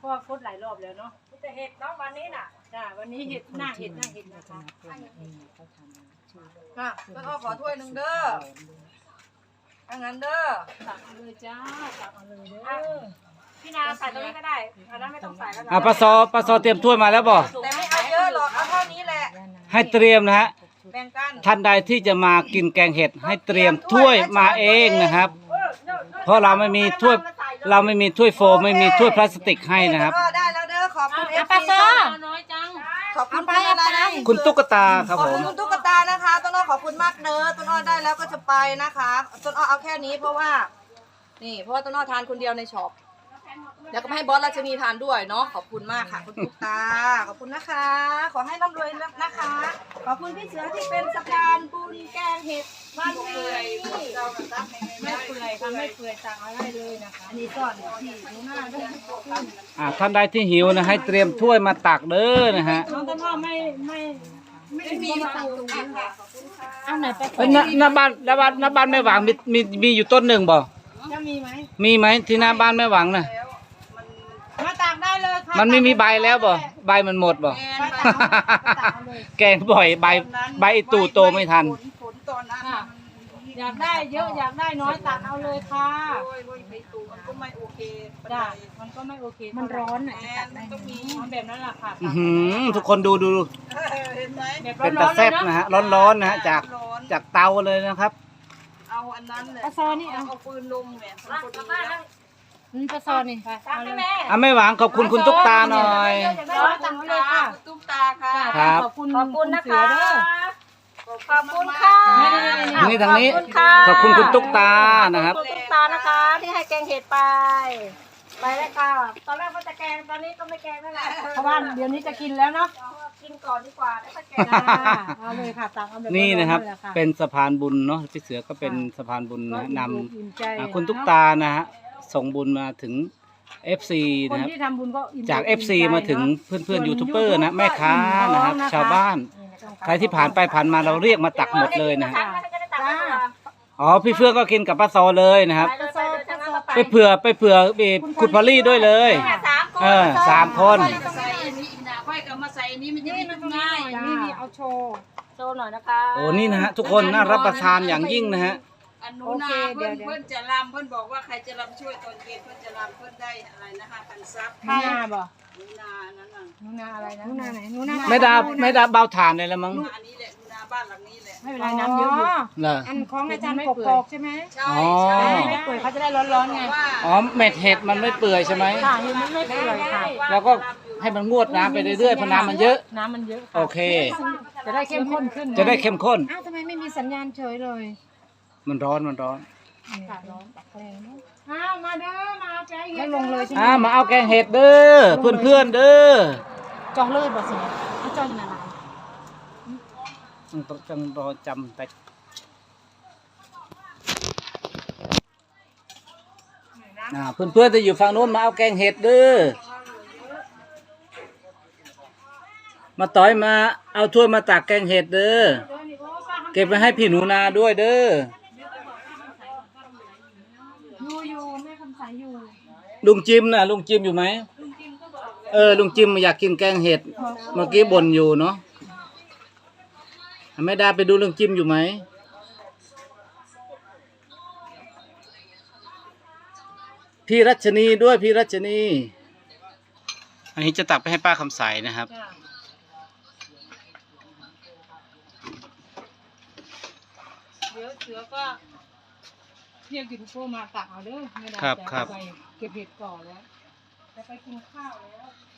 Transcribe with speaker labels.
Speaker 1: ราะว่าโคตรหลายรอบแล้วเนาะ
Speaker 2: แต่เห็ดเนาะวันนี้น่ะ
Speaker 1: จ้าวันนี้เห็ดหน้าเห็ดนะคะ
Speaker 2: ต้นอ้อขอถ้วยหนึ่งเด้อถ้างั้นเด้อ
Speaker 1: ตักเอาเลยจ้าตักเอาเลยเด้อ
Speaker 2: พี่นาใส่ตรงนี้ก็ได้อันนั้นไม่ต้องใส่แล้วนะ
Speaker 3: ปลาซอเตรียมถ้วยมาแล้วบ่
Speaker 2: แต่ไม่เอาเยอะหรอกเอาเท่านี้แหละ
Speaker 3: ให้เตรียมนะฮะ
Speaker 2: แบ่งกัน
Speaker 3: ท่านใดที่จะมากินแกงเห็ดให้เตรียมถ้วยมาเองนะครับ เพราะเราไม่มีถ้วยโฟมไม่มีถ้วยพลาสติกให้นะครับ
Speaker 2: ก็ได้แล้วเด้อขอบคุณเอฟ
Speaker 1: ปลา
Speaker 2: ซี
Speaker 1: ซอ
Speaker 2: ค่ะ
Speaker 1: น้อยจัง
Speaker 2: ขอบคุณคุณอะไรนะ
Speaker 3: คุณตุ๊กตาครับ
Speaker 2: ขอบ
Speaker 3: ผ
Speaker 2: คุ
Speaker 3: ม
Speaker 2: ณคุณตุ๊กตานะคะต้นอ้อขอบคุณมากเด้อต้นอ้อได้แล้วก็จะไปนะคะต้นอ้อเอาแค่นี้เพราะว่าต้นอ้อทานคนเดียวในช็อปแล้วก็ไม่ให้บอสราชนีทานด้วยเนาะขอบคุณมากค่ะคุณตุ๊กตาขอบคุณนะคะ ขอให้ร่ำรวยนะคะ ขอบคุณพี่เสือที่เป็นสะพานบุญแกงเห็ดวันนี้
Speaker 1: ไม่เปื่อยค่ะไม่เปื่อยตักเอาได้เลยนะคะอันนี้ก่อนที่หนูหน้าด้วย
Speaker 3: ท่านใดที่หิวนะให้เตรียมถ้วยมาตักเด้อนะฮะ
Speaker 1: น้องต้นอ้อไม่มีมาตักตรงนี้ค่ะเอาไหนไป
Speaker 3: เอ้ยหน้าบ้านแม่หวังมีอยู่ต้นหนึ่งบ่
Speaker 1: จะมีไหม
Speaker 3: มีไหมที่หน้าบ้านแม่หวังน่ะ
Speaker 1: มาตักได้เลยค่ะ
Speaker 3: มันไม่มีใบแล้วบ่ใบมันหมดบ่
Speaker 1: ไปตักเอาเลย
Speaker 3: แกงบ่อยใบไอ้ตู่โตไม่ทัน
Speaker 2: ฝนตอนนั้น
Speaker 1: ค่ะอยากได้เยอะอยากได้น้อยตักเอาเลยค่ะ
Speaker 2: โอ้ยไอ้ตู่มันก็ไม่โอเค
Speaker 1: จ้ามันก็ไม่โอเคมันร้อนอ่ะจะตักได้ต้องมีแบบนั้นแหละค่ะ
Speaker 3: อื้อหือทุกคนดู
Speaker 2: เห็นไหม
Speaker 1: แบบ
Speaker 3: เป็น
Speaker 1: ร้
Speaker 3: ตา
Speaker 1: อนๆเล
Speaker 3: แซ่
Speaker 1: ย
Speaker 3: บ
Speaker 1: เนาะ
Speaker 3: นะฮะร้อนๆนะฮะจากเตาเลยนะครับ
Speaker 2: เอาอันนั้นเลย
Speaker 1: ปลาซอนี่เอา
Speaker 2: เอาปืนลมเนี่ยมันพอดีแล้ว
Speaker 1: ปลาซอนี่ไปเอาเลย
Speaker 3: แม่หวังขอบคุณคุณตุ๊กตาหน่อย
Speaker 1: ร้อนตักเอาเลยค่ะ
Speaker 2: ตุ๊กตาค่ะ
Speaker 3: ครับ
Speaker 1: ขอบคุณนะคะ
Speaker 2: ขอบคุณค่ะ
Speaker 3: นี่ทางนี้ขอบคุณคุณตุ๊กตานะครับ
Speaker 2: ขอบคุณตุ๊กตานะคะ ที่ให้แกงเห็ดไปเลยค่ะตอนแรกว่าจะแกงตอนนี้ก็ไม่แกงแล้วแหละ
Speaker 1: เพราะว่าเดี๋ยวนี้จะกินแล้วเนาะ
Speaker 2: กินก่อนดีกว่าแล้วก็แกง
Speaker 1: เอาเลยค่ะตักเอาแบบ
Speaker 3: นี่นะครับ
Speaker 1: อยๆเลย
Speaker 3: เป็นสะพานบุญเนาะพี่เสือก็เป็นสะพานบุญนะน
Speaker 1: อิ่มใจ
Speaker 3: ำคุณตุ๊กตานะฮะส่งบุญมาถึง FC
Speaker 1: คน
Speaker 3: นะครับ
Speaker 1: ที่ทำบุญก็อิ่ม
Speaker 3: จาก
Speaker 1: ใจ
Speaker 3: FC มาถึงเพื่อนๆยูทูบเบอร์นะแม่ค้านะครับชาวบ้าน ใครที่ผ่านไปผ่านมาเราเรียกมาตักหมดเลยนะฮะ
Speaker 1: จ้า
Speaker 3: อ๋อพี่เฟื่องก็กินกับป้าซอเลยนะครับ
Speaker 2: ไปเลยทั้งนั้น
Speaker 3: ไปเผื่อคุณพอลลี่ด้วยเลย
Speaker 2: สามคน
Speaker 3: 3 คน
Speaker 2: ใส่อันนี้นะค่อยก็มาใส่อันนี้มันจะได้ง่าย
Speaker 1: นี่เอาโชว์
Speaker 2: โชว์หน่อยนะคะ
Speaker 3: โอ้นี่นะฮะทุกคนน่ารับประทานอย่างยิ่งนะฮะ
Speaker 2: อันนู้นนะเพื่อนจะรำเพื่อนบอกว่าใครจะรำช่วยตอนเย็นเพื่อนจะรำเพื่อนได้อะไรนะคะพันซับ
Speaker 1: หนูนาบ่
Speaker 2: หนูนานั่นน่ะ
Speaker 1: หนูนาอะไรนะหนูนาไหนหนูนา
Speaker 3: ไม่ได้เบาถ่านเลยละมั้ง
Speaker 2: อันนี้แหละหนูนาบ้านหลังนี้แหละ
Speaker 1: ไม่เป็นไรน้ำเยอะอยู่
Speaker 3: เหรอ
Speaker 1: อันของอาจารย์กอกๆใช่ไหม
Speaker 2: ใช่
Speaker 3: อ๋อ
Speaker 2: ใช่
Speaker 1: ไม่เปื่อยเขาจะได้ร้อนๆไง
Speaker 2: ว่า
Speaker 3: อ๋อเม็ดเห็ดมันไม่เปื่อยใช่ไหม
Speaker 1: ค่ะเห็นมันไม่เปื่อยค่ะ
Speaker 3: แล้วก็ให้มันงวดน้ำไปเรื่อยๆเพราะน้ำมันเยอะ
Speaker 1: น้ำมันเยอะ
Speaker 3: โอเค
Speaker 1: จะได้เข้มข้นขึ้น
Speaker 3: จะได้เข้มข้น
Speaker 1: อ้าวทำไมไม่มีสัญญาณเฉยเลย
Speaker 3: มันร้อน
Speaker 1: ค่ะร้อนแรงเนาะอ้าวมาเด้อมาเอาใจเย็นลงเลยใช่ไหม
Speaker 3: มาเอาแกงเห็ดเด้อเพื่อนๆเด้อ
Speaker 1: จองเลยบ่สิเขาจองอะไร
Speaker 3: ต้องรอจำไปเพื่อนๆจะอยู่ฝั่งโน้นมาเอาแกงเห็ดเด้อมาต่อยมาเอาถ้วยมาตักแกงเห็ดเด้อเก็บไว้ให้พี่หนูนาด้วยเด้อ
Speaker 1: อยู่แม่คำสายอยู่
Speaker 3: ลุงจิมน่ะลุงจิมอยู่ไหมลุงจิมอยากกินแกงเห็ดเมื่อกี้บ่นอยู่เนาะแม่ดาไปดูลุงจิมอยู่ไหมพี่รัชนีด้วยพี่รัชนีอันนี้จะตักไปให้ป้าคำใสนะครับ
Speaker 1: เดี๋ยวเสือก็เรียกยูทูบเบอร์มาตักเอาเด้อไม่ได้
Speaker 3: ครับ
Speaker 1: จะ
Speaker 3: ครับ
Speaker 1: ไปเก็บเห็ดก่อนแล้วจะไปกินข้าวแล้ว